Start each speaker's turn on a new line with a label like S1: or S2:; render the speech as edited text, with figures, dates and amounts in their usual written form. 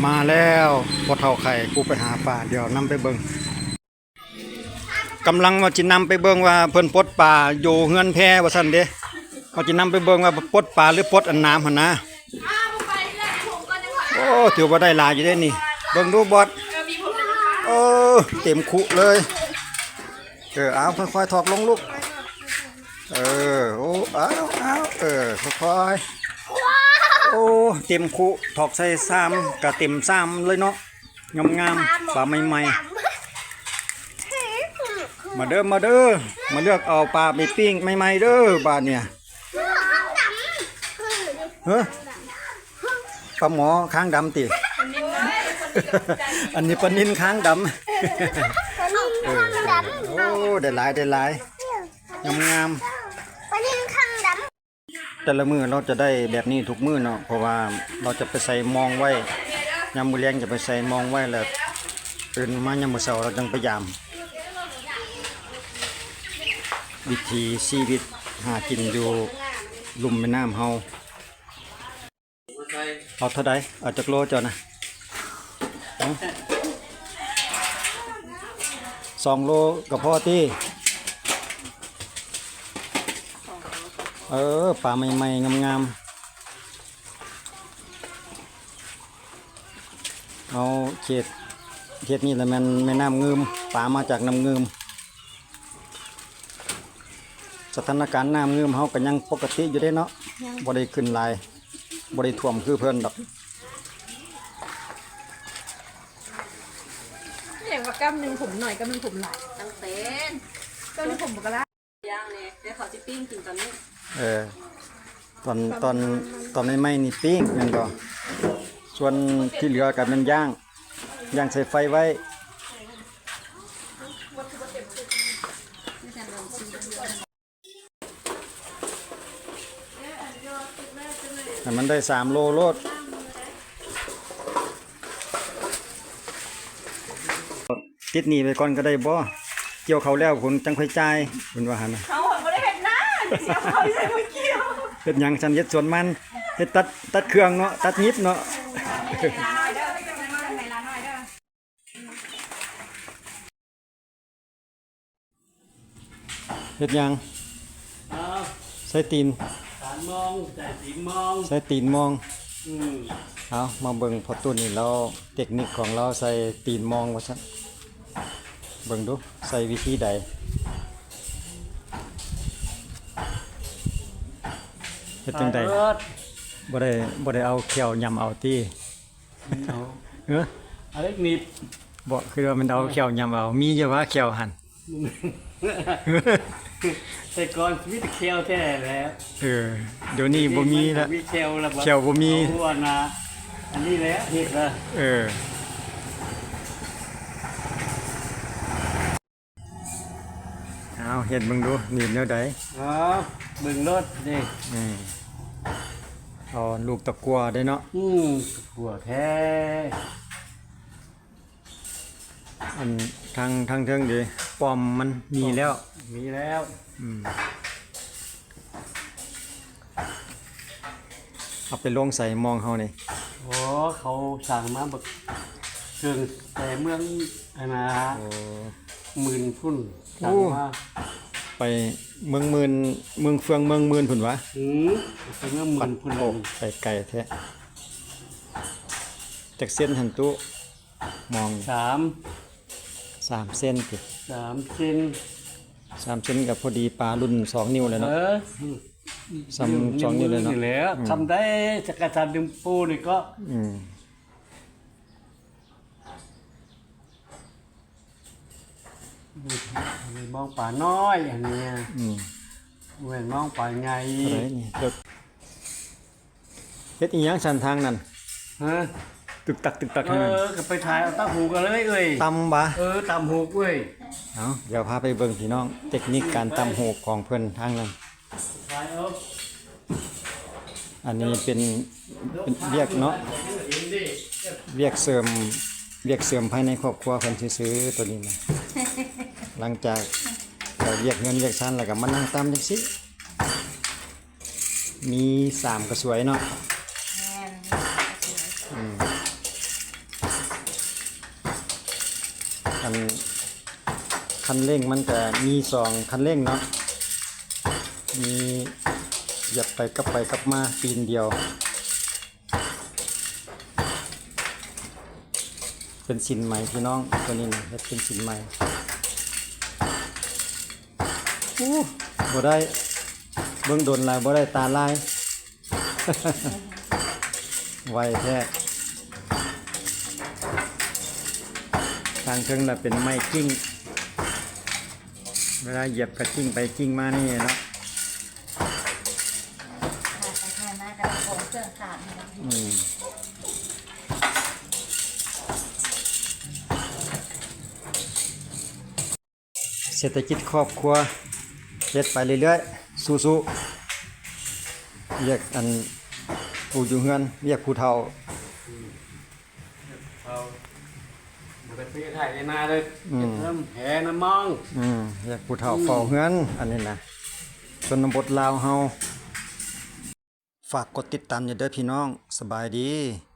S1: มาแล้วพอเท่าไข่กูไปหาปลาเดี๋ยวนำไปเบิ่งกำลังว่าจินำไปเบิ่งว่าเพิ่นปลดปลาอยู่เฮือนแพว่าซั่นเด้ว่าจินำไปเบิ่งว่าปลดปลาหรือปลดอันน้ำหั่นนะโอ้ถือว่าได้หลายอยู่เด้นี่เบิ่งดูบอดเต็มคุเลยเอาค่อยๆถอกลงลูกโอ้เอาค่อยๆโอ้เต็มคุถอกใส่ซ้ำกับเต็มซ้ำเลยเนาะงามๆปลาใหม่ๆมาเด้อมาเลือกเอาปลาไปปิ้งใหม่ๆเด้อบาดเนี่ยเฮ้ยปลาหมอค้างดำติอันนี้ปลานิลค้างดำโอ้ได้หลายงามแต่ละมือเราจะได้แบบนี้ทุกมือเนาะเพราะว่าเราจะไปใส่มองไว้ยามมื้อแลงจะไปใส่มองไว้แล้วตื่นมายามมื้อเช้าเราจังพยายามวิถีชีวิตหากินอยู่ลุ่มแม่น้ำเฮาเอาเท่าใดเอาจักโลเจ้านะ2 โลก็พอติปลาใหม่ๆงามๆเอาเขตนี่แหละมันแม่น้ำงืมปลามาจากน้ำงืมสถานการณ์น้ำงืมเฮาก็ยังปกติอยู่ได้เนาะบ่ได้ขึ้นหลายบ่ได้ท่วมคือเพิ่นดอก
S2: อย่างว่ากำหนึ่งผมหน่อยกำหนึ่งผมหลายตั้งเป็นกำหนึ่งผมบอกละย่างเนี่ยเดี๋ยวเขาจะปิ้งกินตอนนี้
S1: ตอนไม่นี่ปิ้งแม่นบ่ส่วนที่เหลือก็มันย่างใส่ไฟไว้ให้มันได้3 โลโลดติดหนีไปก่อนก็ได้บ่เกี่ยวเขาแล้วผมจังค่อยจ่ายเพิ่นว่าหั่นน่ะ
S2: เขาบ่ได้เห็นหน้าเสียเขาใส่ไม่เกี่ยว
S1: เฮ็ดหยังฉันเฮ็ดสวนมันเฮ็ดตัดเครื่องเนาะตัดนิดเนาะเฮ็ดหยังใส่ตีนใส่ตีนมองเอามาเบิ่งพอตุ้นนี่เราเทคนิคของเราใส่ตีนมองว่าซั่นเบิ่งดูใส่วิธีใดเฮ็ดจังได๋บ่ได้เอาเขียวยำเอาติ
S3: อะไรนิด
S1: บ่คือว่ามันเอาเขียวยำเอามีอยู่ว่าเขียวหั่น
S3: แต่ก่อนมีแต่เคียวแท้แล้ว
S1: เดี๋ยวนี้บ่มีแล้ว
S3: มีเคียวแล้ว
S1: เขียวบ่มี
S3: หัวนะอันนี้แหละเฮ็ดละ
S1: เอาเฮ็ดเบิ่งดูนี่แนวใด
S3: เบิ่งรถนี่
S1: เอาลูกตะกั่วได้เนาะ
S3: หัวแท้
S1: อันทางเทิงดิปอมมันมีแล้วเอาไปลงใส่มองเฮานี่
S3: โอ้เขาสั่งมาแบบเครื่องแต่เมืองอันนะ10,000 พุ่นสั่งมา
S1: ไปเมืองมื่นเมืองเฟืองเมืองมื่นพุ่นวะ
S3: ไปเมือง10,000 พุ่น
S1: ไปไกลแท้จากเส้นหันตุมอง3 เส้นติ
S3: 3 เส้น
S1: 3 เส้นกับพอดีปลารุ่น2 นิ้วเลยเนาะ2 นิ้วเลยเนาะ
S3: แล้วทำได้จักรจันทร์ดึงปูนี่ก็มองป่าน้อยอย่างนี้เว้นมองป่าใหญ่
S1: อะไรนี่เฮ็ดอีหยังสันทางนั่นตึกตัก
S3: ให้มันก็ไปถ่ายเอาตั้งหูกันเลยเอ้ย
S1: ตำบ่
S3: ตำหูเว้ย
S1: เดี๋ยวพาไปเบิ่งพี่น้องเทคนิคการตำหูของเพิ่นทางนั้นอันนี้เป็นเวียกเนาะเวียกเสริมภายในครอบครัวเพิ่นซื้อตัวนี้นะหลังจากเวียกเงินเวียกชั้นแล้วก็มานั่งตำจังซี่มี3 กระสวยเนาะนคันเร่งมันก็มี2คันเร่งเนาะมีเหยียบไปกลับมาปีนเดียวเป็นสินใหม่พี่น้องตัวนี้นะเฮ็ดเป็นสินใหม่บ่ได้เบิ่งโดนลายบ่ได้ตาลาย ไวแท้ทางเทิงน่ะเป็นไม้กิ้งเวลาเหยียบก็กิ้งไปกิ้งมานี่เนาะเศรษฐกิจครอบครัวเฮ็ดไปเรื่อยๆสู้ๆเรียกอันผู้อยู่เฮือนเรียกผู้เฒ่า
S3: เอาบ่ได้ไปถ่ายในนาเลยเก็บน้ำแหน้ำมอง
S1: เรียกผู้เฒ่าเฝ้าเฮือนอันนี้นะชนบทลาวเฮาฝากกดติดตามอย่าเด้อพี่น้องสบายดี